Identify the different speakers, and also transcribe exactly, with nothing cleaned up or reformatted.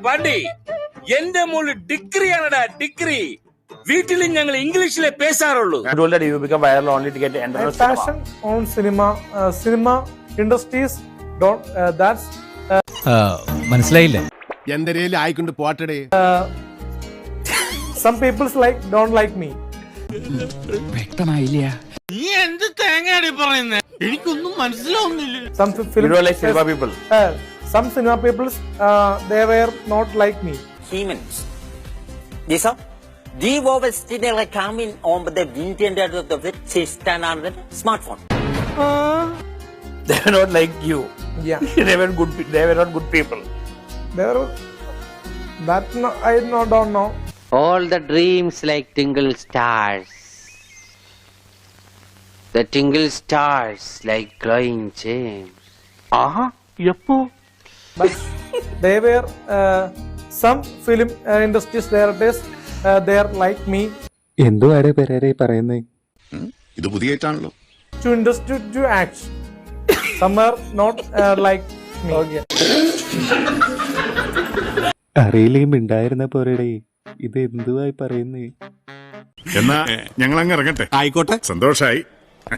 Speaker 1: പാണ്ടി എന്റെ മോള് ഡിഗ്രിയാണടാ ഡിഗ്രി വീട്ടിലും ഞങ്ങൾ ഇംഗ്ലീഷിലെ പേശാറുള്ളൂ.
Speaker 2: Passion on cinema, uh, cinema industries don't. Uh, that's
Speaker 3: മനസ്സിലായില്ല.
Speaker 4: എന്തരേലും ആയിക്കൊണ്ട് പോട്ടടേ.
Speaker 2: some people's like don't like me.
Speaker 3: വ്യക്തമായില്ല.
Speaker 1: നീ എന്ത് തേങ്ങയാടി പറയുന്നേ? എനിക്കൊന്നും മനസ്സിലാവുന്നില്ല.
Speaker 2: Some film.
Speaker 5: You don't like cinema people.
Speaker 2: Uh, some cinema people's uh, they were not like me.
Speaker 6: Humans. These are the vowels still coming on the internet of the system on the smartphone.
Speaker 5: They were not like you.
Speaker 2: Yeah.
Speaker 5: they were good. They were not good people.
Speaker 2: They were. That no, I no, don't know.
Speaker 7: All the dreams like tingle stars. The tingle stars like glowing gems. Aha, yeppo.
Speaker 2: But they were uh, some film uh, industries directors. Uh, they are like me.
Speaker 3: എന്തുവാടെ പെരേരെ പറയുന്നേ?
Speaker 4: ഇത് പുതിയ ആയിട്ടാണല്ലോ.
Speaker 2: To industry to act. Some are not uh, like me. Okay.
Speaker 3: അറിയില്ലെങ്കിൽ ഉണ്ടായിരുന്ന പോരടേ. ഇത് എന്തുവായി പറയുന്നേ?
Speaker 4: എന്നാ ഞങ്ങൾ അങ്ങ് ഇറങ്ങട്ടെ. ആയിക്കോട്ടെ, സന്തോഷായി.